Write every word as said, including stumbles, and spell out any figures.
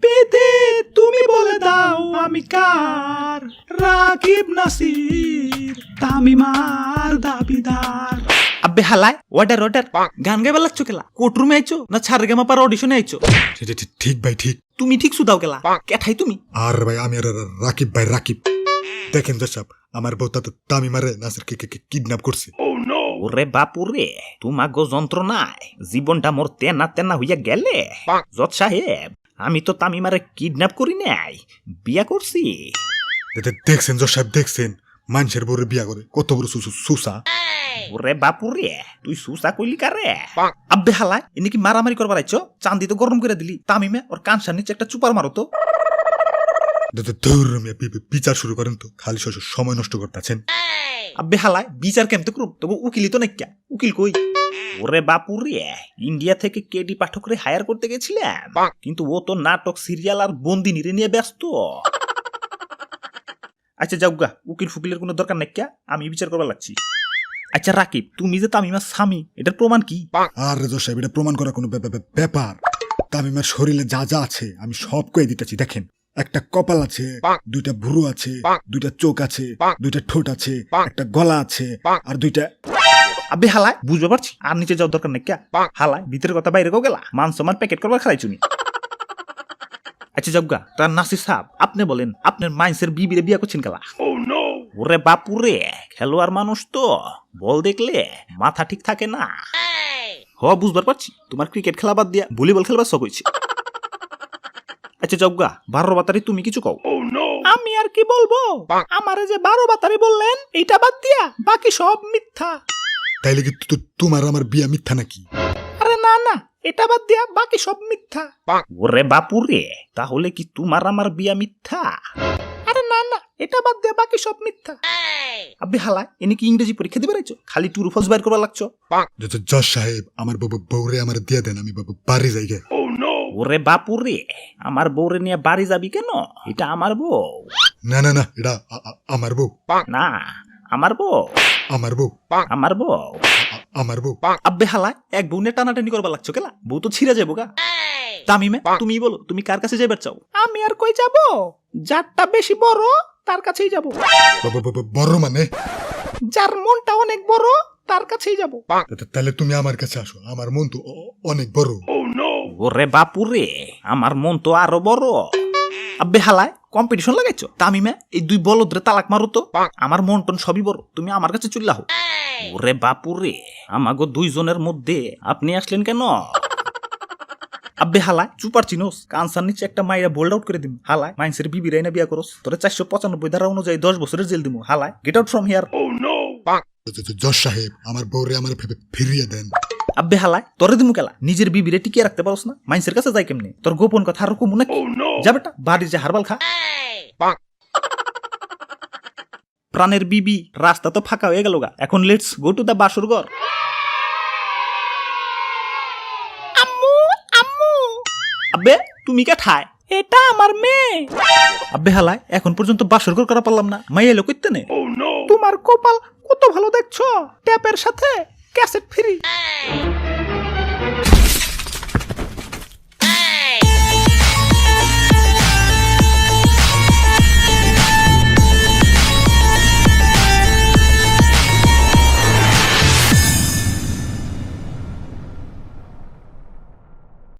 পেতে তুমি বলে দাও আমি কার, রাকিব নাসির তামিমার দাবিদার। আব্বে হালায় ওয়াটার ওয়াটার গান গাইবার লাগছো কেলা? কোর্টরুমে আইছো না ছাড় গেমা পার অডিশনে আইছো? ঠিক ভাই ঠিক। তুমি ঠিক সুদাও কেলা, কেঠাই তুমি? আর ভাই আমি আর রাকিব ভাই রাকিব। দেখেন দর্শক, আমার বউ তামিমারে নাসিরকে কিডন্যাপ করছে। ওরে বাপুরে, তোমাগো যন্ত্রণায় জীবনটা মোর তেনা তেনা হইয়া গেলে। জজ সাহেব, আমি তো তামিমারে কিডন্যাপ করি নাই, বিয়া করছি। দেখছেন জজ সাহেব, দেখছেন মানুষের বউরে বিয়া করে কত বড় সুসা। ওরে বাপুরে, তুই সুসা কইলি কারে? আব্বে হালায় এনে কি মারামারি করবার আইছো? চান্দি তো গরম করে দিলি, তামিমে ওর কানসার নিচে একটা চুপার মারো তো। বিচার শুরু করেন তো, খালি সময় নষ্ট করতেছেন। আব্বে হালায় বিচার কেমতে করুম? তবু উকিলই তো নাকি, উকিল কই? ওরে বাপুরে, ইন্ডিয়া থেকে কেডি পাঠকরে হায়ার করতে গেছিলাম, কিন্তু ও তো নাটক সিরিয়াল আর বন্দিনীরে নিয়ে ব্যস্ত। আচ্ছা যাওগা, উকিল ফুকিলের কোনো দরকার নাই, আমি বিচার করবার লাগছি। আচ্ছা রাকিব, তুমি যে তামিমার স্বামী, এটার প্রমাণ কি? আর জজ সাহেব, এটা প্রমাণ করা কোনো ব্যাপার? তামিমার শরীরে যা যা আছে আমি সব কয়ে দিতেছি। দেখেন, একটা কপাল আছে, দুইটা ভুরু আছে, দুইটা চোখ আছে, দুইটা ঠোঁট আছে, একটা গলা আছে, আর দুইটা। আবে হালায় বুঝতে পারছি, আর নিচে যাওয়ার দরকার নাই। হালায় ভিতরের কথা বাইরে গেলা, মান সম্মান প্যাকেট করবার খালাই চুনি। আচ্ছা যাওগা, তার নাসির সাহেব আপনি বলেন, আপনার মাইন্সের বিবিরে বিয়া করছেন কেলা? ওরে বাপুরে, খেলোয়াড় মানুষ তো, বল দেখলে মাথা ঠিক থাকে না। হ বুঝবার পারছি, তোমার ক্রিকেট খেলা বাদ দিয়া ভলিবল খেলবার শখ হয়েছে। আচ্ছা যাওগা, বারো বাতারি তুমি কিছু কও। আমি আর কি বলবো, আমারে যে বারো বাতারি বললেন এইটা বাদ দিয়া বাকি সব মিথ্যা। তাইলে কি তোমার আমার বিয়া মিথ্যা নাকি? আরে না না, এটা বাদ দিয়া বাকি সব মিথ্যা। ওরে বাপুরে, তাহলে কি তোমার আমার বিয়া মিথ্যা? আরে না না, এটা বাদ দিয়া বাকি সব মিথ্যা। আবে হালায় এনে কি ইংরেজি পরীক্ষা দিবে রাইছো? খালি টুরু ফস বাইর করবার লাগছো। জজ সাহেব, আমার বউরে আমার দিয়ে দেন, আমি বাড়ি যাই গে। ওরে বাপুরে, আমার বউরে নিয়ে বাড়ি যাবি কেন? এটা আমার বউ। না না না, এটা আমার বউ না, আমার বউ আমার বউ আমার বউ আমার বউ। আব্বে হালায় এক বউ নিয়ে টানাটানি করবার লাগছো কেলা? বউ তো ছিঁড়ে যাবো গা। তামিমে তুমি বলো, তুমি কার কাছে যাইবার চাও? আমি আর কই যাব, যারটা বেশি বড় তার কাছেই যাব। বড় মানে? যার মনটা অনেক বড় তার কাছেই যাব। তাহলে তুমি আমার কাছে আসো, আমার মন তো অনেক বড়। ওরে বাপুরে, আমার মন তো আরো বড়। আব্বে হালায় কম্পিটিশন লাগাইছো? তামিমে এই দুই বলদরে তালাক মারো তো, আমার মন টন সবই বড়, তুমি আমার কাছে চলে আহো। ওরে বাপুরে, আমাগো দুইজনের মধ্যে আপনি আসলেন কেন? আব্বে হালায় চুপার চিনোস, কানসার নিচে একটা মাইরা বোল্ড আউট করে দিম। হালায় মাইন্সের বিবি রাইনা বিয়া করস, তোরে চারশো পঁচানব্বই ধারা অনুযায়ী দশ বছরের জেল দিমু। হালায় গেট আউট ফ্রম হিয়ার। জজ সাহেব, আমার বউরে আমার ফিরিয়ে দেন। আব্বে হালায় তোরে দিমু কেলা? নিজের বিবিরে টিকিয়ে রাখতে পারস না, মাইন্সের কাছে যাই কেমনে? তোর গোপন কথা আর কমু নাকি? যা বেটা, বাড়ির যে হারবাল খা। প্রাণের বিবি, রাস্তা তো ফাঁকা হয়ে গেল গা, এখন লেটস গো টু দা বাসর ঘর। আম্মু আম্মু। আব্বে তুমি কে ঠায়? এটা আমার মেয়ে। আব্বে হালায় এখন পর্যন্ত বাসর ঘর করা পারলাম না, মাইয়া এলো কইতে নে। তোমার কপাল কত ভালো দেখছো, ট্যাপের সাথে ক্যাসেট ফ্রি।